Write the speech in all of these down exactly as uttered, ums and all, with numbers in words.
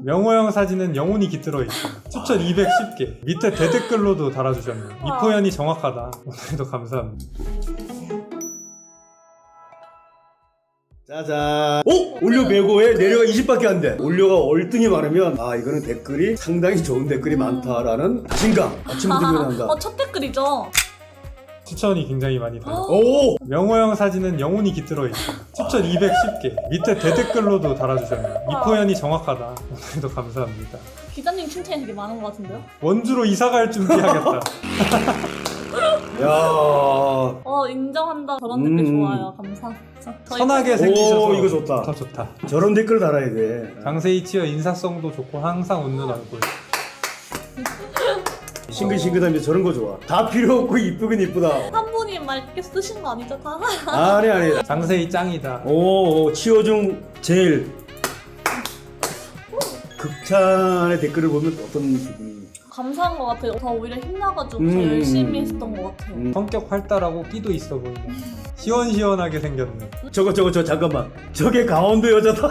명호 형 사진은 영혼이 깃들어 있어. 추천 이백십 개. 밑에 대댓글로도 달아주셨네요. 이 표현이 정확하다. 오늘도 감사합니다. 짜잔. 오! 올려 백오에 내려가 이십밖에 안 돼. 올려가 월등히 많으면 아 이거는 댓글이 상당히 좋은 댓글이 많다라는 자신감. 아침부터 일어난다. 어, 첫 댓글이죠. 추천이 굉장히 많이 달아요. 오! 명호 형 사진은 영혼이 깃들어 있어. 추천 이백십 개. 밑에 대댓글로도 달아주셨네요. 이 표현이 정확하다. 오늘도 감사합니다. 기자님 칭찬이 되게 많은 것 같은데요? 원주로 이사갈 준비하겠다. 야. 어, 인정한다. 저런 댓글 음. 좋아요. 감사합니다. 저희 선하게 오, 생기셔서 이거 좋다. 더 좋다. 저런 댓글 달아야 돼. 장세희 치어 인사성도 좋고 항상 웃는 얼굴. 싱글싱글하면서 저런 거 좋아. 다 필요 없고 이쁘긴 이쁘다. 한 분이 맑게 쓰신 거 아니죠? 다? 아니 아니. 장세희 짱이다. 오, 오 치어 중 제일. 극찬의 댓글을 보면 어떤 기분이? 감사한 것 같아요. 더 오히려 힘나가지고 더 음. 열심히 했었던 것 같아요. 음. 성격 활달하고 끼도 있어 보이네. 시원시원하게 생겼네. 저거 저거 저 잠깐만. 저게 강원도 여자다.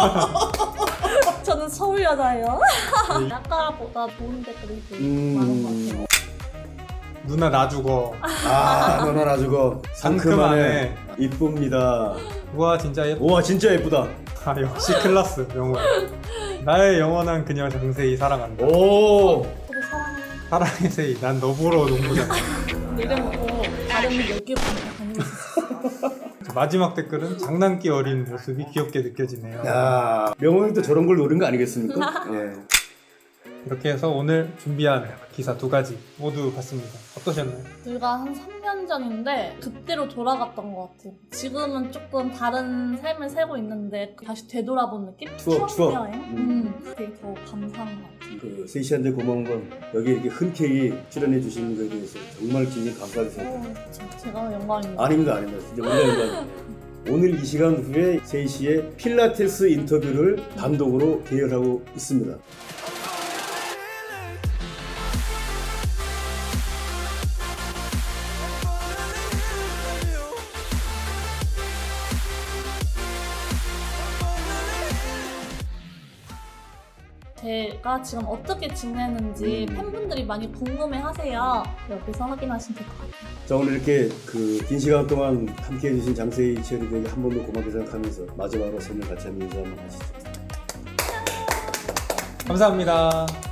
저는 서울 여자예요. 아까보다 좋은 댓글이 되게 음. 많은 것 같아요. 누나 나 죽어. 아, 너는 아주 그 상큼하네. 이쁩니다. 우와 진짜 예뻐. 우와 진짜 예쁘다. 아 역시 클라스 명호. 나의 영원한 그녀 장세희 사랑한다. 오. 저도 사랑해요. 사랑의 세희. 난 너 보러 농구장. 내려놓고 다른 여기 보면 다니고 있었어요. 마지막 댓글은 장난기 어린 모습이 귀엽게 느껴지네요. 야, 명호형도 저런 걸 노린 거 아니겠습니까? 예. 이렇게 해서 오늘 준비한 기사 두 가지 모두 봤습니다. 어떠셨나요? 불과 한 삼 년 전인데 그때로 돌아갔던 것 같아요. 지금은 조금 다른 삶을 살고 있는데 다시 되돌아본 느낌? 추억, 추억. 여행? 음. 음. 되게 더 감사한 것 같아요. 그 세희 씨한테 고마운 건 여기 이렇게 흔쾌히 출연해 주시는 거에 대해서 정말 진심 감사하게 생각합니다. 오, 저- 제가 영광입니다. 아닙니다, 아닙니다. 진짜 우리가 영광입니다. 오늘 이 시간 후에 세희 씨의 필라테스 인터뷰를 단독으로 계열하고 있습니다. 제가 지금 어떻게 지내는지 음. 팬분들이 많이 궁금해하세요. 여기서 확인하시면 될 것 같아요. 자, 오늘 이렇게 그 긴 시간 동안 함께 해주신 장세희 치어리더에게 한 번 더 고맙게 생각하면서 마지막으로 설명 같이 한번 인사 한번 하시죠. 감사합니다.